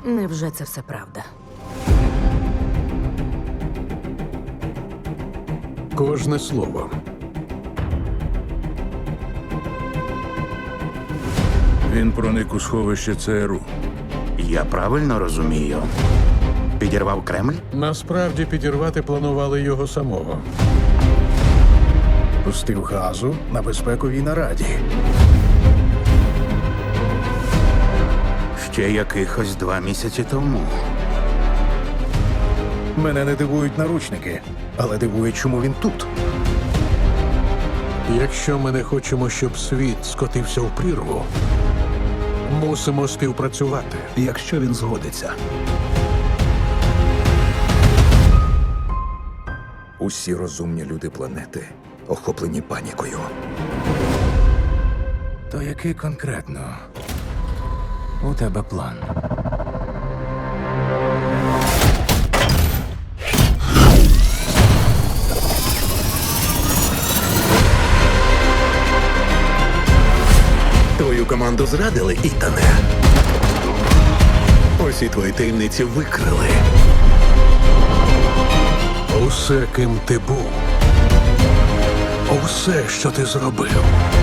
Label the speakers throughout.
Speaker 1: Невже це все правда?
Speaker 2: Кожне слово.
Speaker 3: Він проник у сховище ЦРУ.
Speaker 4: Я правильно розумію? Підірвав Кремль?
Speaker 2: Насправді підірвати планували його самого.
Speaker 5: Пустив газу на безпековій нараді.
Speaker 4: Ще якихось 2 місяці тому.
Speaker 5: Мене не дивують наручники, але дивує, чому він тут.
Speaker 2: Якщо ми не хочемо, щоб світ скотився в прірву, мусимо співпрацювати.
Speaker 6: Якщо він згодиться. Усі розумні люди планети охоплені панікою.
Speaker 5: То який конкретно у тебе план?
Speaker 6: Твою команду зрадили, Ітане. Усі твої таємниці викрили.
Speaker 2: Усе, ким ти був, усе, що ти зробив,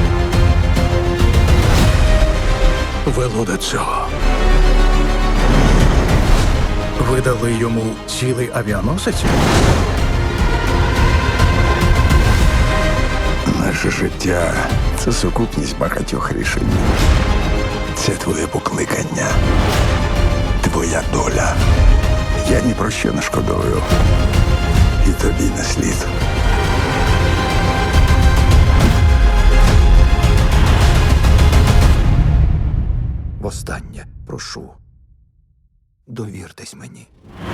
Speaker 2: вело до цього.
Speaker 5: Ви дали йому цілий авіаносець?
Speaker 6: Наше життя – це сукупність багатьох рішень. Це твоє покликання, твоя доля. Я ні про що не шкодую. І тобі не слід. Востаннє прошу, довіртесь мені.